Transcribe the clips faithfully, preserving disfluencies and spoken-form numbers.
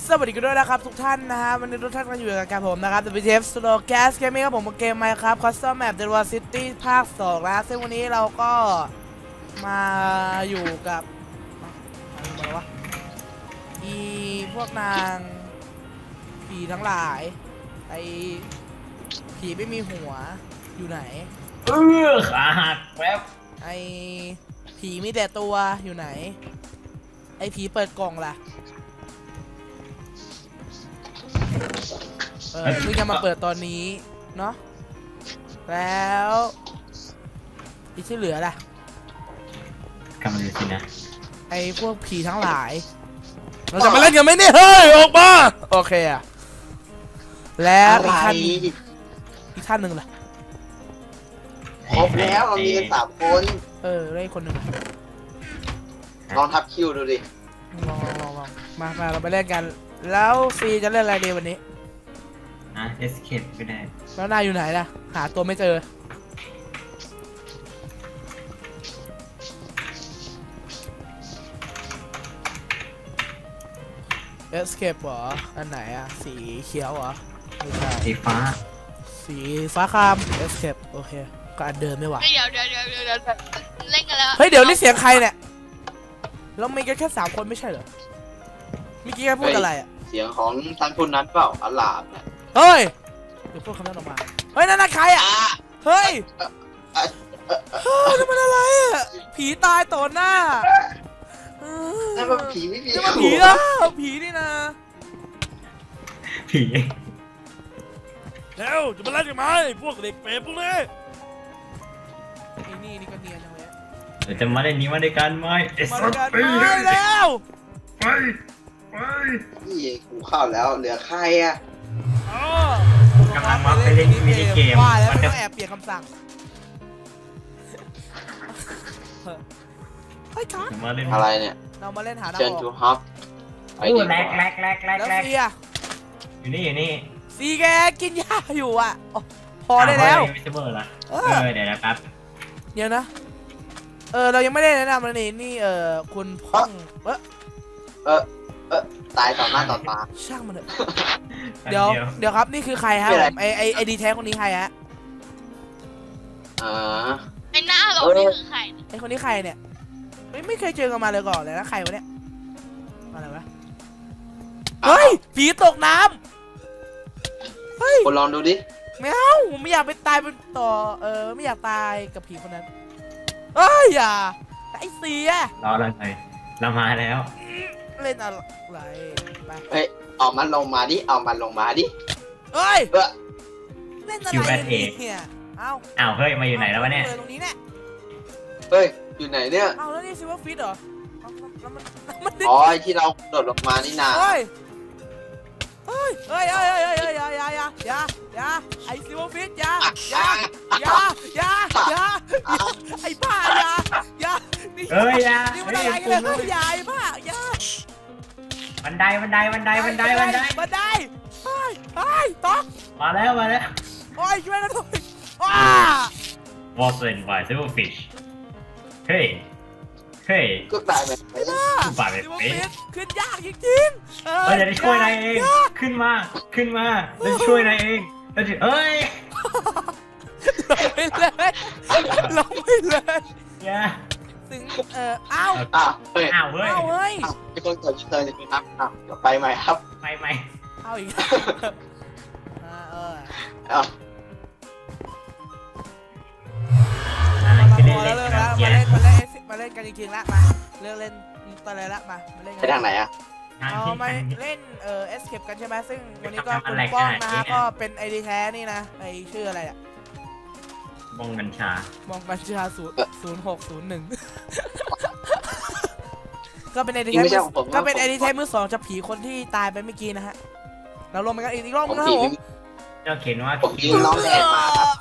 สวัสดีกันด้วยนะครับทุกท่านนะฮะวันนี้ทุกท่านก็อยู่กับผมนะครับ ดับเบิลยู ที เอฟ Slow Gas Gaming ครับผมเกม Minecraft Custom Map Delaware City ภาคสองนะซึ่งวันนี้เราก็มาอยู่กับอะไรวะอีพวกนางผีทั้งหลายไอผีไม่มีหัวอยู่ไหนเออขาหักแป๊บไอผีมีแต่ตัวอยู่ไหนไอผีเปิดกล่องล่ะเออเพิ่งจะมาเปิดตอนนี้เนาะแล้วอีกที่เหลือล่ะกำลังจะสินะไอพวกผีทั้งหลายเราจะมาเล่นกันไหมเนี่ยเฮ้ยออกมาโอเคอะแล้วอีกท่านอีกท่านหนึ่งล่ะครบแล้วเรามีกันสามคนเออได้คนหนึ่งลองทับคิวดูดิลองลองลองมามาเราไปเล่นกันแล้วซีจะเล่นอะไรดีวันนี้อ่ะ escape ก็ได้แล้วนายอยู่ไหนล่ะหาตัวไม่เจอเอสเคปเหรออันไหนอะสีเขียวเหรอไม่ใช่สีฟ้าสีฟ้าคามเอสเคปโอเคก็อันเดิมไม่หวะเดี๋ยวเดี๋ยวเดี๋ยวเดี๋ยวเดี๋ยวเล่นกันแล้วเฮ้ยเดี๋ยวนี่เสียงใครเนี่ยเรามีกันแค่สามคนไม่ใช่เหรอเมื่อกี้แกพูดอะไรอะเสียงของท่านคนนั้นเปล่าอัลลาบเนี่ยเฮ้ยเดี๋ยวพูดคำนั้นออกมาเฮ้ยนั่นน่ะใครอะเฮ้ยเฮ้ยนั่นมันอะไรอะผีตายต่อหน้านั่นมันผีไม่มีนี่มันผีนะผีนี่นะผีแล้วจะมาเล่นกันไหมพวกเด็กเปรตพวกนี้ไอ้นี่นี่ก็เนียนจังเลยเดี๋ยวจะมาเล่นนี้มาด้วยกันไหมมาด้วยกันไปแล้วไปไปนี่กูเข้าแล้วเหลือใครอะกำลังมาไปเล่นมินิเกมว่าแล้วไม่ต้องแอบเปลี่ยนคำสั่งเฮ้ยครับอะไรเนี่ยเรามาเล่นหาดาวเชิญทูฮับโอ้แรกแรกแรกแรกแล้วซีอะอยู่นี่อยู่นี่ซีแกกินยาอยู่อ่ะพอได้แล้วไม่ใช่เบอร์ละเออเดี๋ยวนะครับเดี๋ยวนะเออเรายังไม่ได้แนะนำเลยนี่นี่เออคุณพ่องเออเออเออตายต่อหน้าต่อตาช่างมันเถอะเดี๋ยวเดี๋ยวครับนี่คือใครฮะไอไอไอดีแท้คนนี้ใครฮะอ่าไอหน้าเรานี่คือใครไอคนนี้ใครเนี่ยไม่ไม่เคยเจอกันมาเลยก่อนเลยนะใครวะเนี่ยอะไรวะเฮ้ยผีตกน้ำเฮ้ยคนลองดูดิไม่เอาไม่อยากไปตายเป็นต่อเออไม่อยากตายกับผีคนนั้นเอ้ยอย่าไอเสียรออะไรเรามาแล้วเล่นอะไรไปเฮ้ยออกมันลงมาดิเอามันลงมาดิเฮ้ยเล่นอะไรเนี่ยเอ้าอ้าวเฮ้ยมาอยู่ไหนแล้ววะเนี่ยตรงนี้เนี่ยเฮ้ยอยู่ไหนเนี่ยเอ้าแล้วนี่ซิว่าฟิตเหรออ๋อที่เราโดดลงมานี่นาเฮ้ยเฮ้ยเฮ้ยเฮ้ยเฮ้ยเฮ้ยอย่าอย่าอย่าอย่าอย่าไอซิว่าฟิตอย่าอย่าอย่าอย่าอย่าไอบ้าอย่าอย่าเฮ้ยอย่านี่มันอะไรกันเลยอย่าไอบ้าอย่าบันไดบันไดบันไดบันไดบันไดบันไดเฮ้ยเฮ้ยตกมาแล้วมาแล้วโอ้ยช่วยกันด้วยว้า Wasn't by Silverfish เฮ้ยเฮ้ยก็ตายไปกูบาดไปขึ้นยากจริงๆเราจะได้ช่วยนายเองขึ้นมาขึ้นมาเราจะช่วยนายเองเราจะเอ้ยลงไปเลยลงไปเลยอย่าถึงเอออ้าวอ้าวเฮ้ยอ้าวเฮ้ยอ้าวเฮ้ยไอ้คนเกิดเชิญนะครับอ้าวเดี๋ยวไปใหม่ครับไปใหม่เอาอีกอ่าเออเอามาเล่นแล้วมาเล่นมาเล่นมาเล่นกันจริงๆละมาเลิกเล่นตอนไรละมามาเล่นกันไปทางไหนอะเอามาเล่นเอ่อ escape กันใช่ไหมซึ่งวันนี้ก็คุณป้องนะฮะก็เป็นไอดีแท้นี่นะไอชื่ออะไรอะมองบัญชามองบัญชาศูนย์ศูนย์หกศูนย์หนึ่งก็เป็นไอดีแท้ก็เป็นไอดีแท้มือสองจะผีคนที่ตายไปเมื่อกี้นะฮะเราลงไปกันอีกรอบนึงครับผมเราเขียนว่าผมยิงน้องแดงมาครับ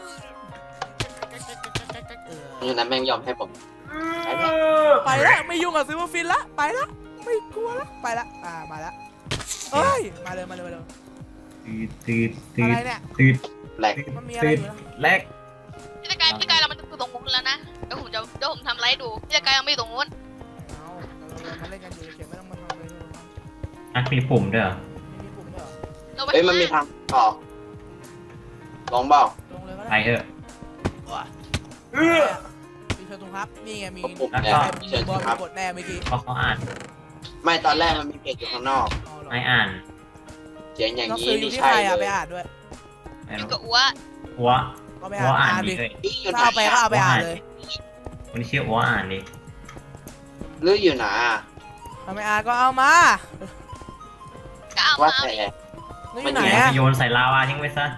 นี่นะแม่งยอมให้ผมไปแล้วไม่ยุ่งกับซิลเวอร์ฟินละไปแล้วไม่กลัวละไปละอ่ามาละเอ้ยมาเลยมาเลยมาเลยตืดตืดอะไรเนี่ยตืดแหลกมันมีอะไรอยู่นะแหลกพี่ตะกายพี่ตะกายเรามันอยู่ตรงนู้นแล้วนะเดี๋ยวผมจะเดี๋ยวผมทำไลฟ์ดูพี่ตะกายยังไม่อยู่ตรงนู้นเอาเรามาเล่นกันอยู่เฉยไม่ต้องมาทำอะไรเลยอ่ะมีปุ่มด้วยเหรอมีปุ่มด้วยเหรอลงไปเฮ้ยมันมีทางต่อลองเปล่าลงเลยก็ไปได้เถอะว้าเออมีเชิญตรงครับนี่ไงมีปุ่มแล้วเนี่ก็ยมีเชิญบอลครับกดแน่เมื่อกี้เพราะเขาอ่านไม่ตอนแรกมันมีเพจอยู่ข้างนอกอ๋อเหรอไม่อ่านเสียงอย่างหนังนี้สืออยู่นี่ที่ใช่ใครอะเลไปยอ่านด้วยไม่อยู่รู้กับอัวหัวก็ไปหัวอ่านอ่านอ่านดีดิเลยนี่อยู่ไหนถ้าเอาไปก็อะเอาไปอ่านเลยคนที่ชื่อหัวอ่านดิหรืออยู่ไหนอะถ้าไม่อ่านก็เอามาก็เอาว่ามาเอาแต่ดินี่อยู่ไหนเนี่ยอะโยนใส่ลาวาทิ้งไว้ซะ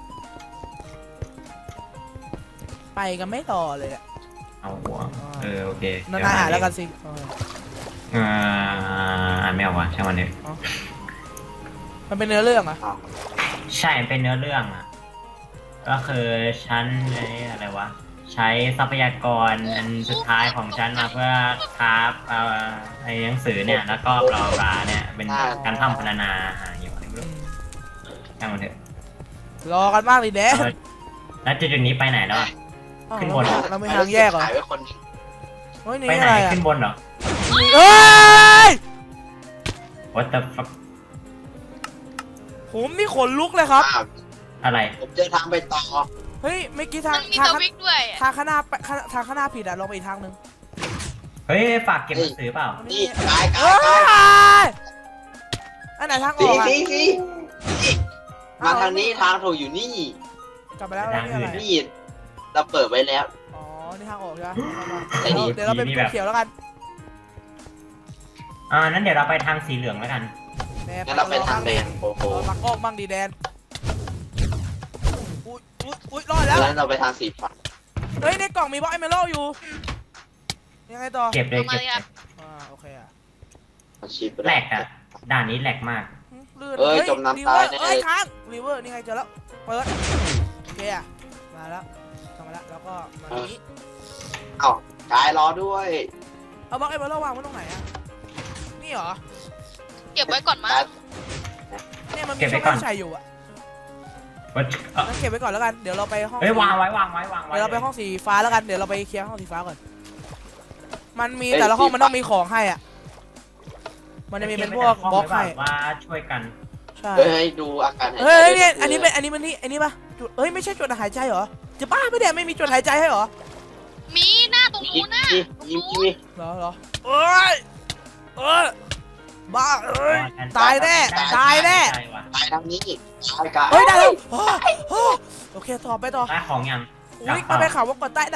ไปกันไม่ต่อเลยอะเอาหัวเออโอเคนั่นอ่านแล้วกันสิเออเอออ่านไม่ออกว่ะช่างมันดิมันเป็นเนื้อเรื่องอะใช่เป็นเนื้อเรื่องอ่ะก็คือฉันไอ้อะไรวะใช้ทรัพยากรอันสุดท้ายของฉันมาเพื่อคราฟเอ่อไอ้หนังสือเนี่ยแล้วก็บลาบลาเนี่ยเป็นการทำพรรณนาหาอยู่อะไรไม่อืรู้มช่างมันเถอะรอกันบ้างดิแดเออแล้วจุดๆนี้ไปไหนแล้วอะอ้าวขึ้นบนเราไม่ทางแยกเหรอขายไว้คนหนึ่งเฮ้ยนี่ไปไหนอะไรอะขึ้นบนเหรอเอ้ย What the fuck ผมนี่ขนลุกเลยครับอ้าวอะไรผมเจอทางไปต่อเฮ้ยเมื่อกี้ทามังนมีทางสวิกด้วยอะทางข้างหน้าไปข้างทางข้างหน้าผิดอะลองไปอีกทางหนึงเฮ้ยฝากเก็บหนังสือเปล่านี่กายกาเอ้ยกายยอันไหนทางอสีอกอะสีสีนี่มาทางนี้ทางถูกอยู่นี่กลับไปแล้วแล้วนี่อะไรนี่เราเปิดไว้แล้วอ๋อนี่ทางออกใช่ไหมไอ้นี่เดี๋ยวเราไปนี่เป็นแบบเขียวแล้วกันอ่านั้นเดี๋ยวเราไปทางสีเหลืองแล้วกันแดนงั้นเราไปทางแดงโอ้โหเออปักโอกบ้างดีแดนอุ้ยอุ้ยอุ้ยรอดแล้วแล้วเราไปทางสีฟ้าเฮ้ยในกล่องมีบล็อกไอเมโลอยู่ยังไงต่อเก็บเลยเอามาเก็บเลยเลครับยอ่าโอเคอะเอาชีพไปแหลกอะด่านนี้แหลกมากลื่นเอ้ยฮ้จมน้ำรีเวอร์ตายแน่เอ้ยค้างรีเวอร์นี่ไงเจอแล้วเปิดโอเคอะมาแล้วทำมาแล้วแล้วก็มาตรงนี้เอ้ากายรอด้วยเอาบล็อกไอเมโลวางไว้ตรงไหนอะนี่เหรอเก็บไว้ก่อนมั้งกายเนี่ยมันมีช่องให้ใส่อยู่อะว่าเอ่องั้นเก็บไว้ก่อนแล้วกันเดี๋ยวเราไปห้องเฮ้ยวางไว้วางไว้วางไว้เดี๋ยวเราไปห้องสีฟ้าแล้วกันเดี๋ยวเราไปเคลียร์ห้องสีฟ้าก่อนมันมีแต่ละห้องมันต้องมีของให้อ่ะมันจะมีเป็นพวกบล็อกให้ว่าช่วยกันใช่เฮ้ยดูอาการหายใจเฮ้ยเนี่ยอันนี้เป็นอันนี้มันนี่อันนี้ปะจุดเอ้ยไม่ใช่จุดหายใจเหรอจะบ้าไม่ได้ไม่มีจุดหายใจให้เหรอมีหน้าตรงมีนู้นน่ะมีตรงมีนู้มีนเหรอเหรอเอ้ยเอ้ยบ้าเอ้ยตายแน่ตายแน่ใช่ว่ะกายทางนี้กายกายเฮ้ยได้แล้วโอ้โหโอเคต่อไปต่อได้ของยังอุ้ยมันไปนข่าวว่ากดใต้น้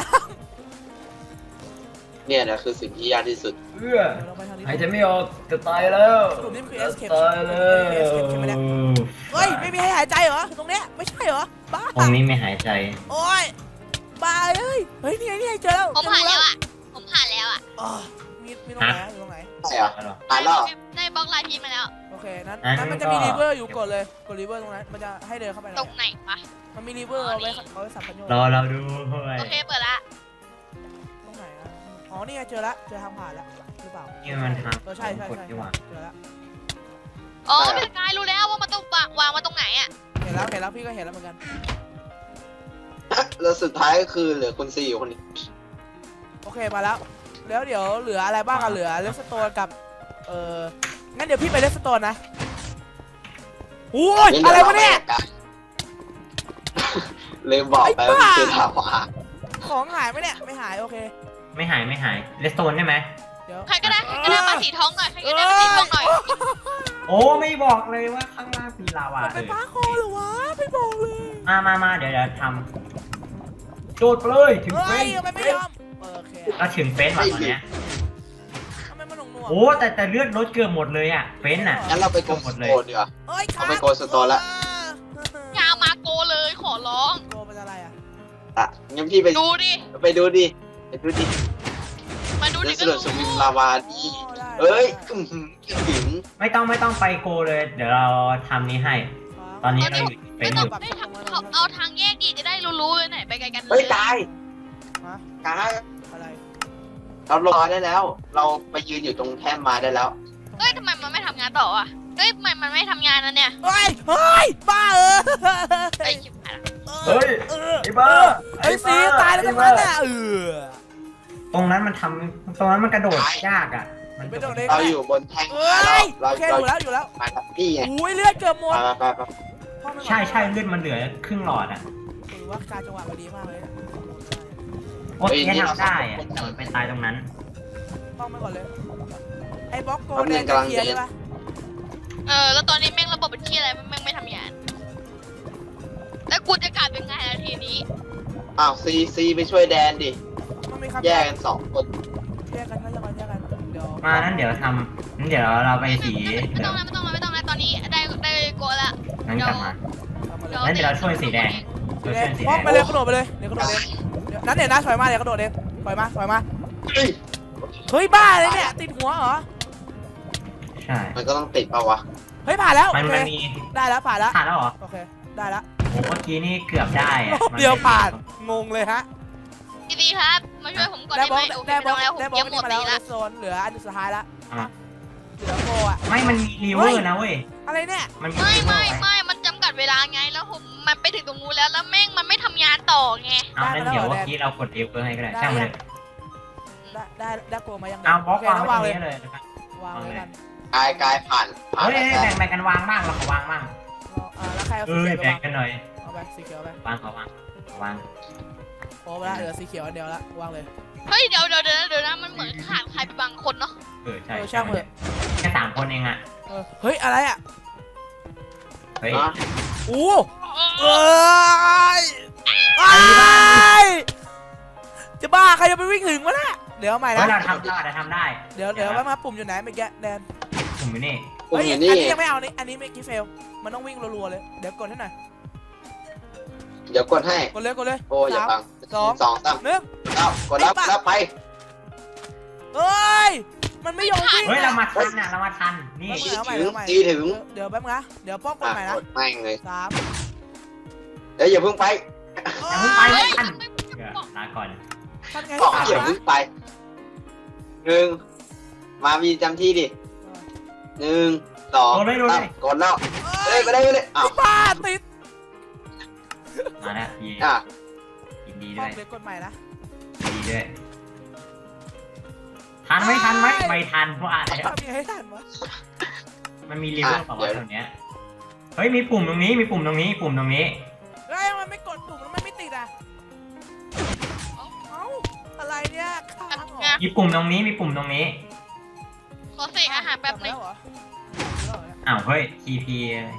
เนี่ยแหละคือสิ่งที่ยากที่สุดเอื้อำเดี๋ยวเราไปทางนี้หายใจไม่ออกจะตายแล้วสรุปนี่มันคือ escape ตายแล้ว escape ใช่ไหมเนี่ย เฮ้ยไม่มีให้หายใจเหรอตรงเนี้ยไม่ใช่เหรอบ้าตรงนี้ไม่หายใจโอ้ยบ้าเอ้ยเฮ้ยนี่ไงนี่ไงเจอแล้วผมผ่านแล้วอ่ะผมผ่านแล้วอ่ะอ๋อมีมีตรงไหนอะอยู่ตรงไหนใช่เหรอเอาเหรอตายแล้วได้บล็อกลายพีชมาแล้วโอเคนั้นอ่ะนั้นมันก็จะมีรีเวอร์อยู่กดเลยกดรีเวอร์ตรงนั้นมันจะให้เดินเข้าไปตรงไหนวะมันมีรีเวอร์เอาไว้เอาไว้สับกันโยนรอเราด้วยโอเคเปิดละตรงไหนอะอ๋อนี่ไงเจอละเจอทางผ่านแล้วหรือเปล่านี่มันทางเออใช่ใช่กดใช่ดีกว่าเจอละอ๋อเป็นกายรู้แล้วว่ามันต้องวางวางมาตรงไหนอ่ะเห็นแล้วเห็นแล้วพี่ก็เห็นแล้วเหมือนกันแล้วสุดท้ายก็คือเหลือคุณซีอยู่คนนี้โอเคมาแล้วแล้วเดี๋ยวเหลืออะไรบ้างอะเหลือเลสโตนกับเอองั้นเดี๋ยวพี่ไปเลสโตนนะโอ้ยอะไรวะเนี่ยลืมบอกไปว่ามันคือถามว่าของหายไหมเนี่ยไม่หายโอเคไม่หายไม่หายเลสโตนได้ไหมเดี๋ยวใครก็ได้ใครก็ได้มาสีทองหน่อยใครก็ได้มาสีทองหน่อยโอ้ไม่บอกเลยว่าข้างล่างมีลาวามันเอเป็นอปลาคอเหรอวะไม่บอกเลยมามามาเดี๋ยวเดี๋ยวทำโจทย์ไปเลยถึงเฮ้เฟ้ยนทำไมไม่ยอมเออโอเคก็ถึงเฟ้นว่ะตอนเนี้ยทำไมมันหน่วงหน่วงโอ้แต่แต่เลือดลดเกือบหมดเลยอ่ะเฟ้นอ่ะงั้นเราไปโกงโกนดีกว่าเอ้ยเอาไปโกนสโตนละอยามาโกเลยขอร้องโกเป็นอะไรอ่ะอ่ะงั้นพี่ไปดูดิไปดูดิไปดูดิมาดูเดดิสก็เดอรู้ร์สวิมลาวาดีอ๋อได้เอ้ยได้อื้อหือถึงไม่ต้องไม่ต้องไปโกเลย เดี๋ยวเราทำนี้ให้ ตอนนี้เราอยู่เฟ้ไม่นต้อองยู่ไม่ทำเขาเอาทางแยกดีจะได้รู้ๆเลยไหนไปไกลกันเลเฮ้ยยกายฮะกายอะไรเรารอได้แล้ว เราไปยืนอยู่ตรงแท่นไม้ได้แล้วเอ้ยทำไมมันไม่ทำงานต่ออ่ะเอ้ยทำไมมันไม่ทำงานนะเนี่ยเฮ้ยเฮ้ยบ้าเออไอ้ชิบหายละเฮ้ยเออไอ้บ้าไอ้สีตายแล้วตรงนั้นน่ะเออตรงนั้นมันทำตรงนั้นมันกระโดดยากอ่ะมันไปโดดเองเราอยู่บนแท่งเอ้ยเราโอเคเราอยู่แล้วอยู่แล้วมากับพี่ไงอุ้ยเลือดเกือบหมดไปไปไปพ่อไม่ไหวใช่ใช่เลือดมันเหลือครึ่งหลอดอ่ะถือว่าการจังหวะมันดีมากเลยโอ๊ตแค่ทำได้อ่ะแต่มันไปตายตรงนั้นป้องไปก่อนเลย ไอ้บล็อกโกแดงจะเคลียร์ใช่ปะเออแล้วตอนนี้แม่งระบบเป็นที่อะไรแม่งไม่ทำงานแล้วกูจะกลับยังไงล่ะทีนี้อ้าวซีซีไปช่วยแดนดิมันมีคำแยกกันสองคนแยกกันแยกกันแยกกันเดี๋ยวมานั้นเดี๋ยวทำนั้นเดี๋ยวเราไปสีไม่เดี๋ต้ยอวงนะไม่ต้องนะไม่ต้องนะตอนนี้ได้ได้โกะละนั้นกลับมาทำมาเลยงั้นเดี๋ยวเราช่วยสีแดงสีเราแดช่วงยสีป้แดองงไปเลยกระโดดไปเลยเดี๋ยวกระโดดเองเดี๋ยวนั้นเดี๋ยวนะถอยมาเดี๋ยวกระโดดเองถอยมาถอยมาเฮ้ยเฮ้ยบ้าเลยเนี่ยติดหัวเหรอใช่มันก็ต้องติดเปล่าวะเฮ้ยผ่านแล้วมันโอเคมันมีได้แล้วผ่านแล้วผ่านแล้วเหรอโอเคได้แล้วโอ้เมื่อกี้นี่เกือบได้อะรอบเดียวผ่านงงเลยฮะดีๆครับมาช่วยผมก่อนได้ได้บไหอมกโอเคได้ไม่บอต้อก งแล้วผมได้บอเยี่กยมหมนี่ดมาเลแล้วยละโซนเหลืออันสุดท้ายละอ่ะเหลือโกอ่ะไม่มันมีรีเวอร์นะเว้ยอะไรเนี่ยมันมีไม่รีเวอไม่ร์ไว้ไม่มันจำกัดเวลาไงแล้วผมมันไปถึงตรงนู้นแล้วแล้วแม่งมันไม่ทำงานต่อไงเอานั้นเดี๋ยวเมื่อกี้เรากดรีเวอร์ให้ก็ได้ช่างมันเลยได้ได้ได้โกมายังเอาบล็อกโอเควางนะไว้วางเลยตรงนี้เลยนะครับวางเลยกันกายกายผ่านผ่านเฮ้ยแล้วแบ่งแบ่งกันวางบ้างเราขอวางบ้างอ่าแล้วใครเอาเอสีอเขียวไปแบ่งวางกันหน่อยเอาไปสีเขียวไปวางขอวางขอวางโอ้ไปละเหลือสีเขียวอันเดียวละวางเลยเฮ้ยเดี๋ยวเดี๋ยวเดี๋ยวเดี๋ยวนะมันเหมือนขาดใครไปบางคนเนาะเออใช่เออช่างเถอะแค่สามคนเองอ่ะเออเฮ้ยอะไรอ่ะเฮ้ยนะอู้เอ้ยไอ้ยจะบ้าใครจะไปวิ่งถึงวะน่ะเดี๋ยวเอาใหม่เฮ้ยนะเราทำได้เราทำได้เดี๋ยวเดี๋ยวแป๊บมาปุ่มอยู่ไหนเมื่อกี้แดนผมอยู่นี่ปุ่มเฮ้ยออัยู่นนี่นี้ยังไม่เอานี่อันนี้ไม่กี่เฟลมันต้องวิ่งรัวๆเลยเดี๋ยวกดให้หน่อยเดี๋ยวกดให้กดเลยกดเลยโอ้อย่าสามบังสองสองสามหนึ่งเอ้ากดแล้วแล้วไปเอ้ยมันไม่ยอมวิ่งเฮ้ยเราอะมาทันอ่ะเรามาทันนี่เอาใหม่ถึงเอาใหม่ตีถึงเดี๋ยวแป๊บนะเดี๋ยวป้องกดอ่ะใหม่นะกดแม่งเลยสามเดี๋ยวอย่าเพิ่งไปอย่าเพิ่งไปไม่ทันเดี๋ยวลาก่อนท่านไงบอกสามอย่านะเพิ่งไปหนึ่งมามีจำที่ดิหนึ่งสองโดนเลยโดนสาเลมยกดแล้วเอ้เอ้ยยไปได้ไปเลยอ้าวบ้าติดมาแล้วยินอ่ะยินดีป้ด้อวงยเลยกดใหม่นะยินดีด้วยทันไหมทันไหมไม่ทันเพราะอะไรทำยังไงให้ทันวะมันมีรีเวอร์เปล่าวะแถวเนี้ยเฮ้ยมีปุ่มตรงนี้มีปุ่มตรงนี้ปุ่มตรงนี้เฮ้ยมันไม่กดปุ่มแล้วมันไม่ติดอ่ะเอ้าอะไรเนี่ยค้างเหรอมีปุ่มตรงนี้มีปุ่มตรงนี้ขอเสกอาหารแป๊บนึงกลัมาแล้วเหรออ้าวเฮ้ย ที พี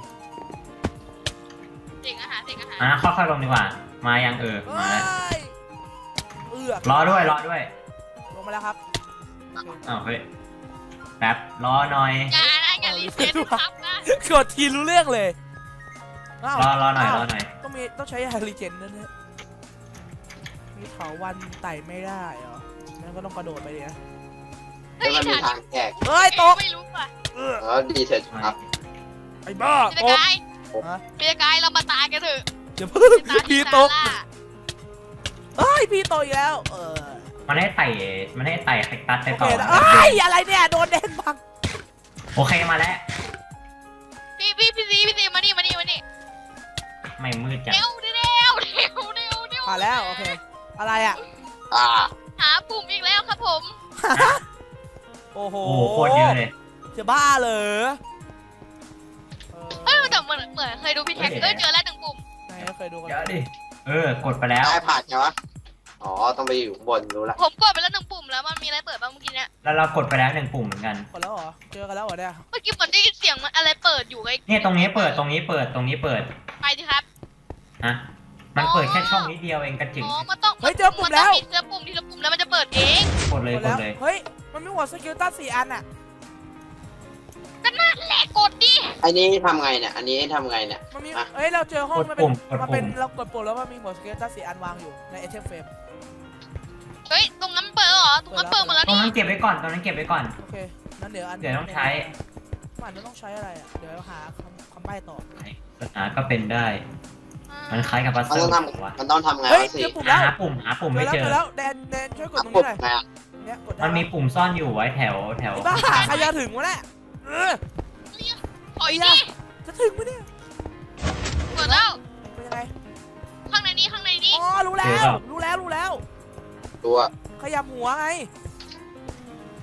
เสกอาหารเสกอาหารอ่ะค่อยๆลงดีกว่า มายังเออเฮ้มาแล้วยเอือกรอด้วยรอด้วยลงมาแล้วครับอ้าวเฮ้ยแป๊บรอหน่อยอย่านะอย่ารีเซ็ตครับนะกดทีรู้เรื่องเลยอ้าวรอรอหน่อยาวรอหน่อยต้องมีต้องใช้ยารีเจนนั่นเนี่ยมีเถาวันไต่ไม่ได้เหรองั้นก็ต้องกระโดดไปดินะเฮ้แล้ยวมันมีอย่าทางแยกเฮ้ยตกไม่รู้ว่ะเออเออดีเสร็จครับไอ้บ้าพี่ตตะกกายฮะพี่ตะกายเรามาตายกันเถอะอย่าเพิ่งตายพี่ที่ตซาก ร่าเฮ้ยพี่โตอีกแล้ว เออมันให้ไต่มันให้ไต่แคคตัสไปโอต่เคอนะเอ้ยอะไรเนี่ยโดนแดงบังโอเคมาแล้วพี่พี่พี่ซีพี่ซีมานี่มานี่มานี่ไม่มืดจังเร็วเร็วเร็วเร็วเร็วเร็วผ่านแล้วโอเคอะไรอ่ะอ่าหาปุ่มอีกแล้วครับผมโอ้โหโอ้โหโคตรเยอะเลยจะบ้าเหรอเอเอ้ยอแต่เหมือนเหมือนเคยดูพี่แท็กเอ้ยเจอแล้วหนึ่งปุ่มไหนเคยดูกันเดี๋ยวดิเออกดไปแล้วได้ผ่านใช่ไหมอ๋อต้องไปอยู่ข้างบนรู้ละผมกดไปแล้วหนึ่งปุ่มแล้วมันมีอะไรเปิดบ้างเมื่อกี้เนี่ยแล้วเรากดไปแล้วหนึ่งปุ่มเหมือนกันกดแล้วเหรอเจอกันแล้วเหรอเนี่ยเมื่อกี้เหมือนได้ยินเสียงมันอะไรเปิดอยู่ไงเนี่ยตรงนี้เปิดตรงนี้เปิดตรงนี้เปิดไปดิครับฮะมันเปิดแค่ช่องนิดเดียวเองกระจิ๋งอ๋อมันต้องเฮ้ยเจอปุ่มแล้วนต้องมีเจอปุ่มทีละปุ่มแล้วมันจะเปิดเองกดเลยกดกแล้ดวเลยเฮ้ยมันมีหัวสกิลตัสสี่อันอ่ะก็นั่นแหละกดดิอันนี้ทำไงเนี่ยอันนี้ทำไงเนี่ยมันมีอ่ะเอ้ยเราเจอห้องกดมันเป็ปุ่นมกดมันเป็นปุ่มเรากดปุ่มแล้วมันมีหัวสกิลตัสสี่อันวางอยู่ในไอเทมเฟรมเฮ้ยตรงนั้นเปิดเหรอตรงนั้นเปิดหมดแล้วตรงนี่นั้นเก็บไว้ก่อนตรงนั้นเก็บไว้ก่อนโอเคนั้นเดี๋ยวอันเดี๋ยวต้องใช้มันจะต้องใช้อะไรอ่ะเดี๋ยวหาคำคำใบ้ต่อปัญหาก็เป็นได้ มันคล้ายกับพัซมันเซิต้ลองทวะำมันต้องทำไงเฮ้ยวะสิเจอปุ่มแล้วหาปุ่มหาปุ่มเจไม่อแล้วเจเจออแล้วแดนแดนช่วยกดตรงปุ่นี้มหน่อยไงอะเนี่ยกดได้มันมีปุ่มซ่อนอยู่ไว้แถวแถวไอ้บ้าใครจะถึงวะเนี่ยเออถอยดิจะถึงไหมเนี่ยเปิดแล้วเป็นยังไงข้างในนี้ข้างในนี้อ๋อรู้แล้วรู้แล้วรู้แล้วตัวขยับหัวไง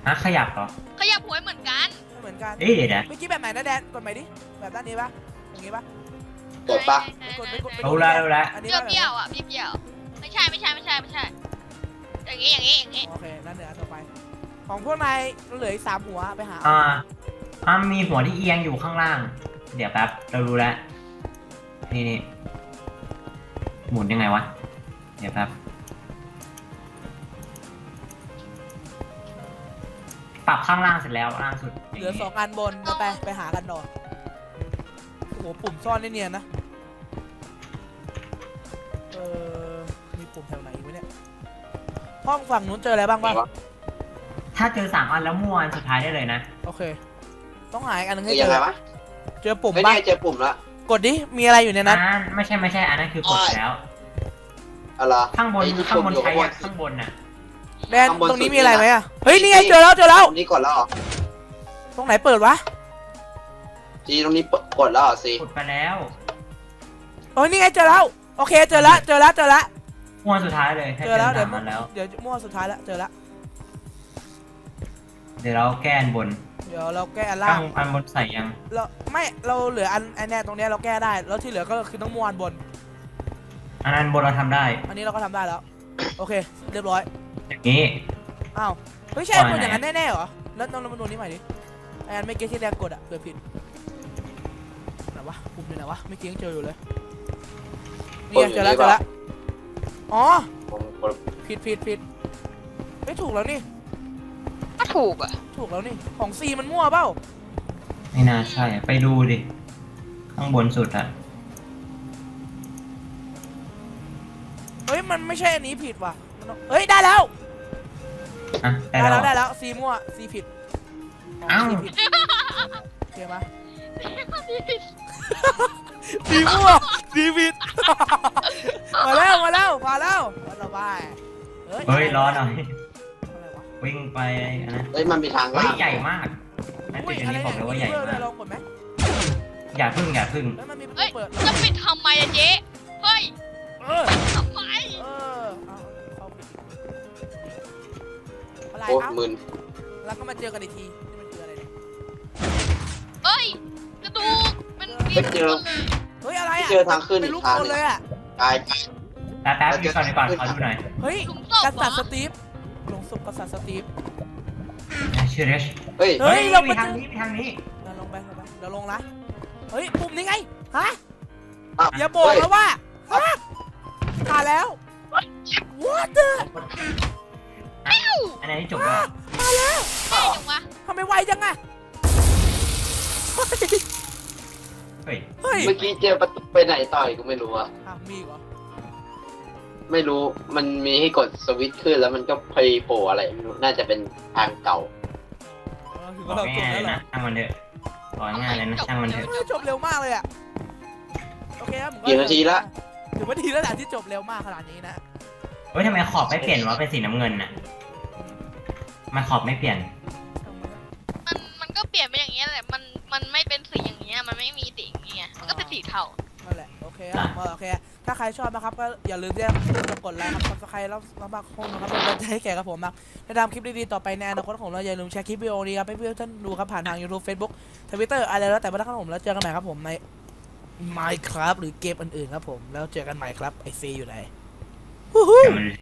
ฮะขยับเหรอขยับหัวเหมือนกันไม่เหมือนกันเอ้ยเดี๋ยวนะเมื่อกี้แบบไหนนะแดนกดใหม่ดิแบบด้านนี้ปะอย่างงี้ปะกดปะไม่กดไม่กดไม่กดรู้แล้วรู้แล้วอันเปนี้รี้ยวปะเปรี้ยวๆอ่ะเปรี้ยวๆไม่ใช่ไม่ใช่ไม่ใช่ไม่ใช่ อย่างงี้อย่างงี้อย่างงี้โอเคนั่นเดี๋ยวอันต่อไป ของพวกนายเหลืออีกสามหัวไปหาอ่าอ่ามีหัวที่เอียงอยู่ข้างล่าง เดี๋ยวแป๊บเรารู้แล้วนี่นี่หมุนยังไงวะเดี๋ยวแป๊บปรับข้างล่างเสร็จแล้วล่างสุดเหลือสองอันบนไปไปไปหากันต่อโอ้โหปุ่มซ่อนได้เนียนนะเออมีปุ่มแถวไหนอีกไหมเนี่ยห้องฝั่งนู้นเจออะไรบ้างไหนบ้างวะถ้าเจอสามอันแล้วมั่วอันสุดท้ายได้เลยนะโอเค ต้องหาอีกอันหนึงคืให้อเจยังไงอวะเจอปุ่มไม่ปะแน่เจอปุ่มละกดดิมีอะไรอยู่ในอันนั้นนั้นไม่ใช่ไม่ใช่อันนั้นคือกดแล้วอะไรข้างบนไอ้ที่ข้างบนปุ่มอยู่ใช้ข้างบอะนข้างบนน่ะแดนข้างบนตรงนี้สุดมีอะไรนี่นะไหมอ่ะเฮ้ยนี่ไงเจอแล้วเจอแล้วตรงนี้กดแล้วเหรอตรงไหนเปิดวะจีตรงนี้กดแล้วเหรอซีกดไปแล้วโอ้ยนี่ไงเจอแล้วโอเคเจอแล้วเจอแล้วเจอแล้วมั่วสุดท้ายเลยให้เจเจออแล้วสาเดี๋ยวมอันแล้วเดี๋ยวมั่วสุดท้ายแล้วเจอแล้วเดี๋ยวเราแก้อันบนเดี๋ยวเราแก้อันล่าข้าง งอันบนใส่ยังเราไม่เราเหลืออันอันเนี้ยตรงเนี้ยเราแก้ได้แล้วที่เหลือก็คือต้องมั่วอันบนอันนั้นบนเราทำได้อันนี้เราก็ทำได้แล้วโอเคเรียบร้อยอย่างนี้อ้าวเฮ้ยใช่กดอย่างนั้นแน่ๆเหรอแล้วลองมาดูนี่ใหม่ดิไอ้อันไม่เก็ตที่แรกกดอะเกิดผิดไหนวะปุ่มอยู่ไหนวะไม่เกี้ยังเจออยู่เลยนี่ไงเจอแล้วเจอแล้วอ๋อผมกดผิดผิดผิดไม่ถูกแล้วนี่ก็ถูกอ่ะถูกแล้วนี่ของซีมันมั่วเปล่าไม่น่าใช่ ไปดูดิ ข้างบนสุดอะเฮ้ยมันไม่ใช่อันนี้ผิดว่ะมันต้องเฮ้ยได้แล้วอ่ะได้ได้แล้แล้ว วได้แล้วซีมั่วซีผิดอ้าวซีผิดโอเคปะซีมั่วซีผิด มาแล้วมาแล้วมาแล้วมาแล้วไปเฮ้ยรอหน่อยอะไรวะวิ่งไปอันนะเฮ้ยมันมีทางเฮ้ยล่างใหญ่มากนั่นอุ้จุยดอะไรนี้บอกเนี่ยเลยว่าใหญ่มีเบอร์ด้วยมากลองกดไหมอย่าพึ่งอย่าพึ่งแล้วมันมีประเอ้ตูยเปิดจะปิดทำไมอะเจ๊เฮ้ยเออทำไมเออเอาเอาปิดอะไรโอ้เอ้ามึนแล้วก็มาเจอกันอีกทีนี่มันคืออะไรเนี่ยเฮ้ยกระดูกมันกินหมดเลยเฮ้ยอะไรที่อ่ะเจอทางขึ้นเป็นอีรูกปทางคนหนึเลงยอ่ะกายกายแป๊บแป๊บดูก่อนดีกว่าขอดูหน่อยเฮ้ยหลุมศพกเหรษัตอริย์สตีฟหลงศพกษัตริย์สตีฟชื่อเรชเฮ้ยเฮ้ยเรามีมาทางเจอนี้มีทางนี้เราลงไปลงไปเดี๋ยวลงนะเฮ้ยปุ่มนี้ไงฮะอ้าวอย่าบอกเฮ้ยนะว่าฮะผ่านแล้ว what the อันนี้จบแล้วมาแล้วได้จังวะทำไมไวจังอะเฮ้ยเฮ้ยเฮ้ยเมื่อกี้เจอประตูไปไหนต่อยก็ไม่รู้อะอ่ะมีอีกเหรอไม่รู้มันมีให้กดสวิตช์ขึ้นแล้วมันก็พยโผล่อะไรไม่รู้น่าจะเป็นทางเก่าเออถึงบว่าอกเราจบง่ายๆแล้เลวย เหรอนะช่างมันเถอะบอกง่ายๆเลยนะช่างมันเถอะเฮ้ยจบเร็วมากเลยอะโอเคครับผมกี่นาทีละถือว่าดีแล้วแหละที่จบเร็วมากขนาดนี้นะเฮ้ยทำไมขอบไม่เปลี่ยนวะเป็นสีน้ำเงินน่ะมันขอบไม่เปลี่ยนมันมันก็เปลี่ยนไปอย่างเงี้ยแหละมันมันไม่เป็นสีอย่างเงี้ยมันไม่มีสีอย่างเงี้ยมันก็เป็นสีเทานั่นแหละโอเคครับผมโอเคถ้าใครชอบนะครับก็อย่าลืมที่จะกดไลค์ครับซับสไครต์แล้วแล้วมาคงนะครับเป็นกำลังใจให้แก่กับผมนะในทำคลิปดีๆต่อไปในอนาคตของเราอย่าลืมแชร์คลิปวิดีโอนี้ครับให้เพื่อนท่านดูครับผ่านทาง YouTube Facebook Twitter อะไรแล้วแต่ว่าถ้าผมแล้วเจอกันใหม่ครับผมใน Minecraft หรือเกมอื่นๆครับผมแล้วเจอกันใหม่ครับไอซีอยู่ไหนแต่มัน